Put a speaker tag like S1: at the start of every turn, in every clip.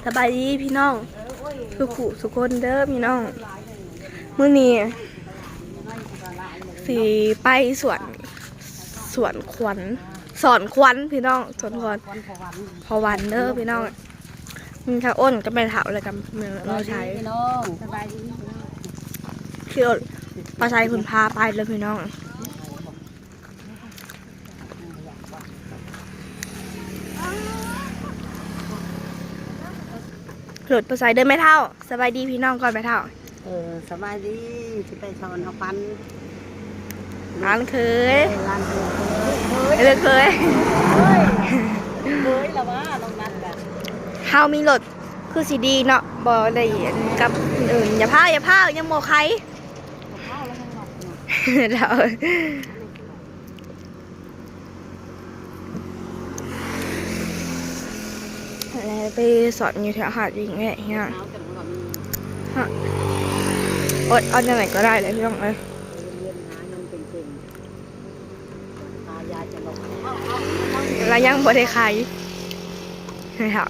S1: สบายดีพี่น้องสุคนเด้อพี่น้องมื้อนี้สิไปสวนขวัญสอนขวัญพี่น้องสวนขวัญพอวันเด้อพี่น้องมีข้าวอ้นก็ไปถามอะไรกันเมืองเราใช้คือปลาชัยคุณพาไปเลยพี่น้องหลุดปลาชัยเดินไม่เท่าสบายดีพี่น้องก่อนไม่เท่า
S2: สบายดีที่ไปชอนเอาฟัน
S1: ร้านเคย
S2: ร้านเค
S1: ยเลยเคย
S2: ละว่าตรงนั้นกัน
S1: เฮามีรถคือสีดีเนาะบ่ได้กับอื่นอย่าพาวยังโมใครเราไปสอนอยู่แถวหาดยิงแง่เงี้ยอดเอาจากไหนก็ได้เลยพี่น้องเอ้ยแล้วยังบ่ได้ใครไม่ถาม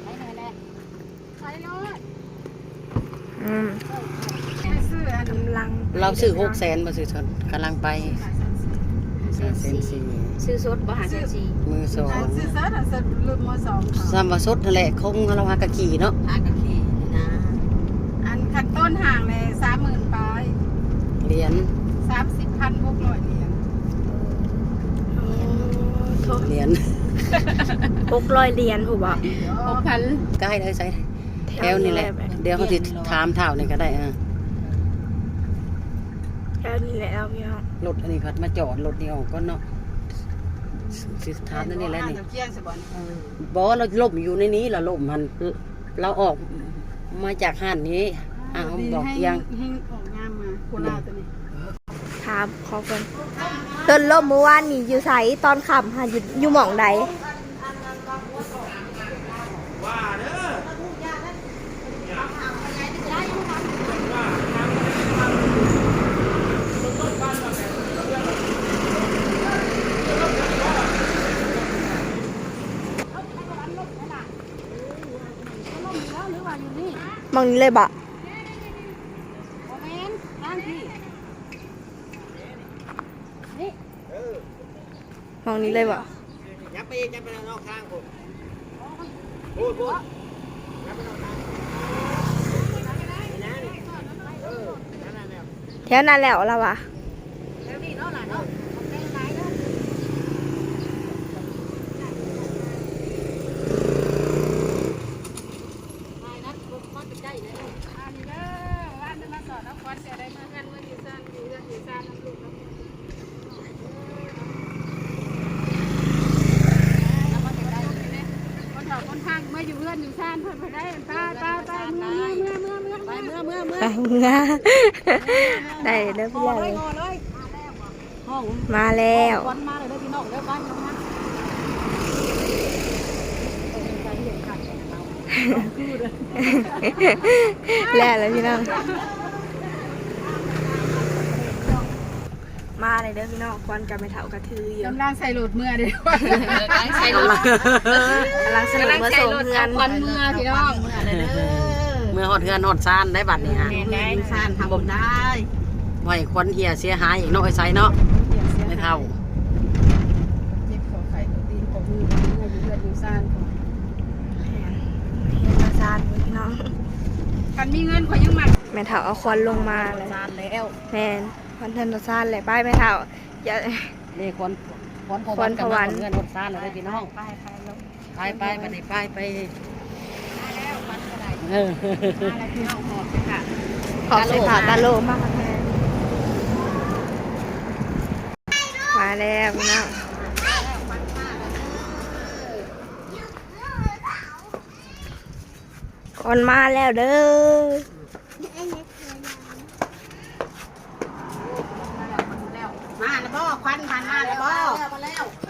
S2: เราซื้อ600,000มาซื้อชนกำลังไป
S3: ซื้อสดบ่หาซื้อซี
S2: มือสอง
S3: ซื้อสดรุ่นมือสอง
S2: ซ้ำว่าสดนั่นแหละคงเราหากะขี่เนาะ
S3: หากะขี่นะอันขั้นต้นห่างเลย30,000ปลาย
S2: เหรียญ
S3: 30,600เหรียญ
S1: 600เหรียญถูกป่ะ
S3: 6,000
S2: ใกล้เลยใส่แถวนี่แหละเดี๋ยวเขาสิถามเท่านี่ก็ได้
S1: แถวนี้แหละพี่น้อง
S2: รถอันนี้พัดมาจอดรถนี่ออกก็เนาะสิถามนั่นนี่แหละนี่บอกว่าเราล่มอยู่ในนี้เราล่มมันเราออกมาจากห้านนี้บอกยัง
S3: ออกงามมาโคราชตัวนี้
S1: ถามขอคนต้นล่มเมื่อวานนี่อยู่ไสตอนค่ำหาอยู่หม่องใดมองนี้เลยบะมองนี้เลยบะ
S2: ยับไปนอกข้างผม
S1: แถวนั้นแล้วเราวะ
S3: มาอยู่เพื่อนอยู่ซ่านเพื่อนไปได้ไปเมื่อ
S1: ได้เด้อพี่ใหญ่มาแล้วแล้วพี่น้องมาเลยเด้อพี่น้องควันกับไม่เท่ากระทืออยู่
S3: กำลังใส่โหลดเมื่อเดียว
S1: กำลังใส่โหลดเมื่อส่งเพื่อน
S3: ควันเมื่อพี่น้อง
S2: เมื่อหอดเฮือนหอดซานได้บัดนี่ฮะ
S3: ได้ซานทำบุญได้
S2: ไว้ควันเหี่ยเสียหายอีกน้อยใส่เนาะไม่เท่า
S3: เจ็บของไข่ของตีนของมืออยู่เพื่อนอยู่ซาน
S1: มาซานพี่น้อง
S3: กันมีเงินขอยังมัด
S1: แม่เท่าเอาควันลงมาเลย
S3: ซานแล้ว
S1: แม่ควันเทนซานเลยป้ายแม่เท่าอย่า
S2: นี่ควันพวันเงินหอดซานเลยพี่น้องไปบัดนี้ไป
S1: ขอบสิค่ะตาโลมากแม่มาแล้วนะคนมาแล้วเด้อ
S3: มาแล้วบ่ควันผ่านมาแล้วบ่มาอยู่เพื่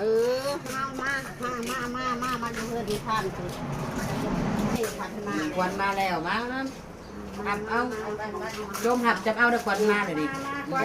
S3: อนที่ท่านคือ
S2: ควันมาแล้วมาหับเอาโยมหับจับเอาได้ควันมาเลยดิ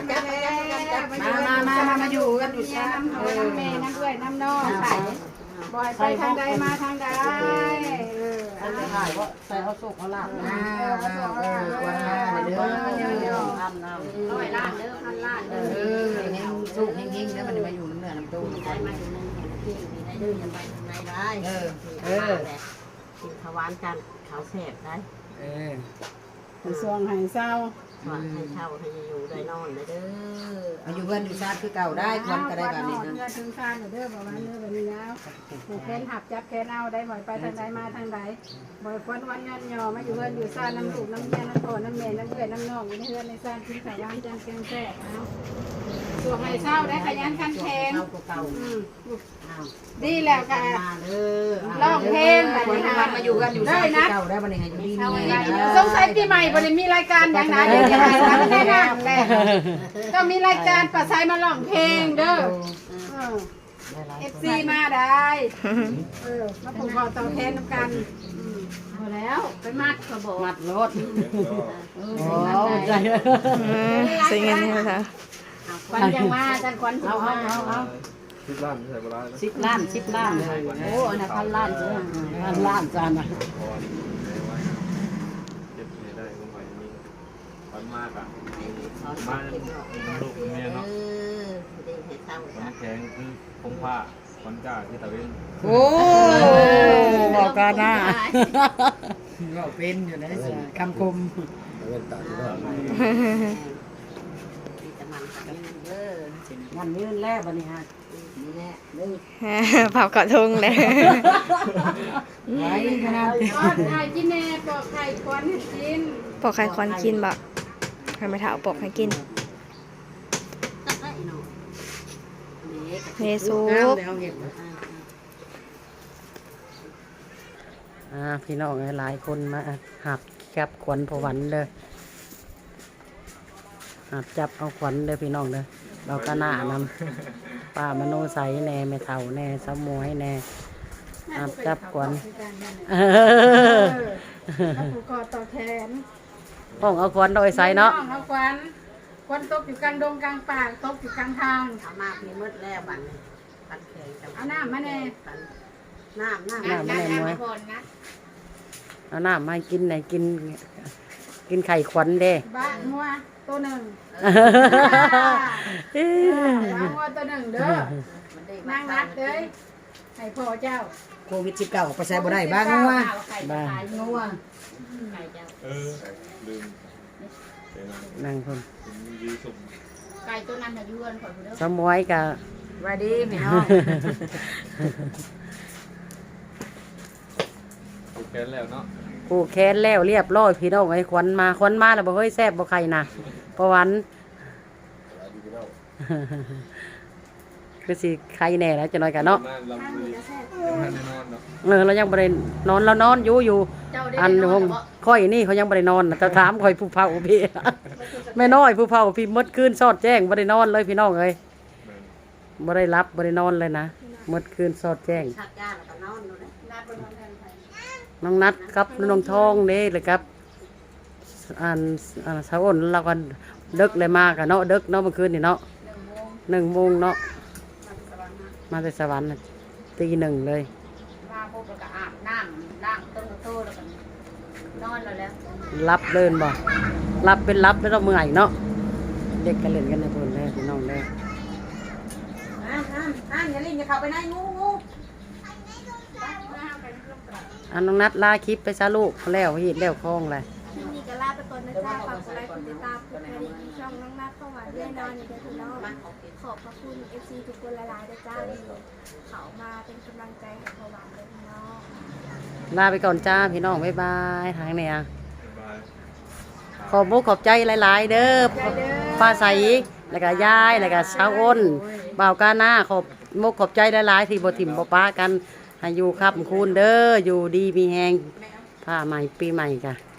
S2: มาอยู่กันอยู่
S3: ซ่านน้ำแม่น้ำด้วยน้ำนองบ่อยไปทางใดมาทางใด
S2: ถ่ายว่าใส่เอาสุกเอาลาบกวนมาเด้อทำน้ำ
S3: ร้อยล้านเด้อพันล้านเด้อ
S2: แห้งสุกแห้งๆแล้วมันมาอยู่น้ำเนื้อน้ำตุ้ม
S3: ได้มาอยู่ในที่ได้เด้อยังไปไหนได้กินขาวานกันขาวแสบได้สวงให้เศร้าสวงให้เช่าให้อยู่ได้นอนได้เด้อ
S2: อายุเพื่อนอยู่ชาติคือเก่าได้ควันก็ได้แบบนี้นะ
S3: เงินถึงชาติเด้อประมาณเด้อแบบนี้แล้วผูกแขนหับจับแขนเอาได้บ่อยไปทางใดมาทางใดบ่อยควันวันยันยอมาอยู่เพื่อนอยู่ชาติน้ำลูกน้ำเมียน้ำพ่อน้ำแม่น้ำเอื้อน้ำน้องอยู่ในเพื่อนในชาติกินขาวานจันแกงแซ่บเอาสวงให้เศร้าได้ขยันขันแข็ง
S2: เก่า
S3: ดีแล้วค่ะร้องเพลงแบบนี้นะ
S2: มาอยู่กันอยู่ชาติคือเก่าได้บันนี้อยู่ดีนี่
S3: สงสัยปีใหม่บ่ได้มีรายการอย่างนั้นเดี๋ยวจะให้ทำแน่นอนแหละก็มีรายการประสายมาร้องเพลงเด้อFC มาได้มาผูกคอต่อแทนน้ำกันพอแล้วไปมัดกระบอก
S2: มัดรถ
S3: โอ้
S2: ใจ
S1: สิ่งนี้นะคะ
S3: ควันยังมาจันควันเอา
S4: 10 ล้านใส่บ่ได้นะ
S2: 10 ล้าน10 ล้านโอ้อันนั้น1,000 ล้าน1,000 ล้านจานนะ
S4: พรได้ไว้เก็บให้ได้ลงไปนี่วันมากอ่ะมาลูกเมียเนาะวันแข็งคือคงผ้าวันก้าที่ตะเวน
S2: โอ้บอกกันนะก็เป็นอยู่ในคำคม
S4: ตะเวนตาที่บ้าน
S2: งานนี้แรกวันนี้ฮะนี่แหละเลย
S1: เผากอดทุ่งเลย
S2: ไว้นะ
S3: ปอกไข่กินแน่ปอกไข่ควันให้กิน
S1: ปอกไข่ควันกินบ่ใครไม่ถามปอกให้กินเนซุป
S2: พี่น้องหลายคนมาหับจับขวัญพวันเลยหับจับเอาขวัญเลยพี่น้องเลยเราก็หน้านำป้ามโนใสแน่แม่เฒ่าแน่สมวยแน่หับจับขวัญ
S3: แล้วผูกคอต่อแขน
S2: ห้องเอาขวัญโดยใสเนาะ
S3: เอาควันตกอยู่กลางดงกลางป่าตกอยู่กลางทางเอามาพี่มืดแล้วบัดปันแข็งเอาน้ำมาแน่น้ำ
S2: น้ำแม่มวยเอาน้ำมากินไหนกินไข่ขวัญเด้
S3: บ้านงัวตัวหนึ่งบ้านงัวตัวหนึ่งเด้อนางรัดเลยให้พ่อเจ้า
S2: โควิด19ไปใช้บ่ได้บ้างว่าบ้า
S3: งัว
S4: ลืมเป็น
S2: นั่งคน
S4: ยื้อสุ่ม
S3: ไก่ตัวนั้นน่ะยืนขอดูเด้อ
S2: สมวยกับ
S3: สวัสดีพี่น้อง
S4: โอเคแล้วเนาะ
S2: ผูกแขนแล้วเรียบร้อยพี่น้องไอ้ขวัญมาแล้วบ่เฮ้ยแซ่บบ่ใครนะประวันคือสิใครแน่แล้วจะน้อยกันเนาะ
S4: นั่นลำเลยยังทันได้นอนเนาะ
S2: เรายังบ่ได้นอนเรานอนอยู่
S3: เจ้าได้
S2: อัน
S3: นอ
S2: ห้อน งค่อยนี่เขายังบ่ได้นอนน่ะแต่ถามค่อยผู้เฒ่าพี่ แม่น้อยผู้เฒ่าพี่มดคืนสอดแจ้งบ่ได้นอนเลยพี่น้องเอ้ยบ่ได้รับบ่ได้นอนเลยนะมดคืนสอดแจ้ง
S3: ชักยาแล้วก็นอนดูนะนัดบนนอนแทนไป
S2: น้องนัดครับน้องทองนี่เลยครับสาวอ้นเราก็ดึกเลยมากะเนาะดึกเนาะเมื่อคืนนี่เนาะ1 โมงเนาะมาแต่สวรรค์น่ะตี 1เลย
S3: มาพบแล้วก็อาบน้ำล้างต้นโตแล้วก็นอนแล้ว
S2: รับเดินบ่รับเป็นรับแล้วเราเมื่อยเนาะเด็กก็เล่นกันในพุ่นเลยพี่น้องเลย
S3: อย่าลิ้นอย่าเข้าไปในงู
S2: น้องนัดลาคลิปไปซะลูกแล้วเฮ็ดแล้วคล้องเลย
S1: ที่นี่ก็ลาไปก่อนนะจ๊ะฝากกดไลค์กดติดตามกดกระดิ่งช่องน้องนัดเข้ามาด้วยนอนอยู่เด้อพี่น้องขอบพระคุณ FC ทุกคนหลายๆนะจ๊ะที่เขามาเป็นกำลังใจให้พอหวานเลยพี่น้อง
S2: ลาไปก่อนจ้าพี่น้องบ๊ายบายทางเนี่ย
S4: บาย
S2: ขอบมุกขอบใจหลายๆเด้อป้าใสแล้วก็ยายแล้วก็สาวอ้นบ่าวกาหน้าขอบมุกขอบใจหลายๆที่บ่ถิ่มบ่ป้ากันให้อยู่ครับคุณเด้ออยู่ดีมีแฮงผ้าใหม่ปีใหม่จ้ะ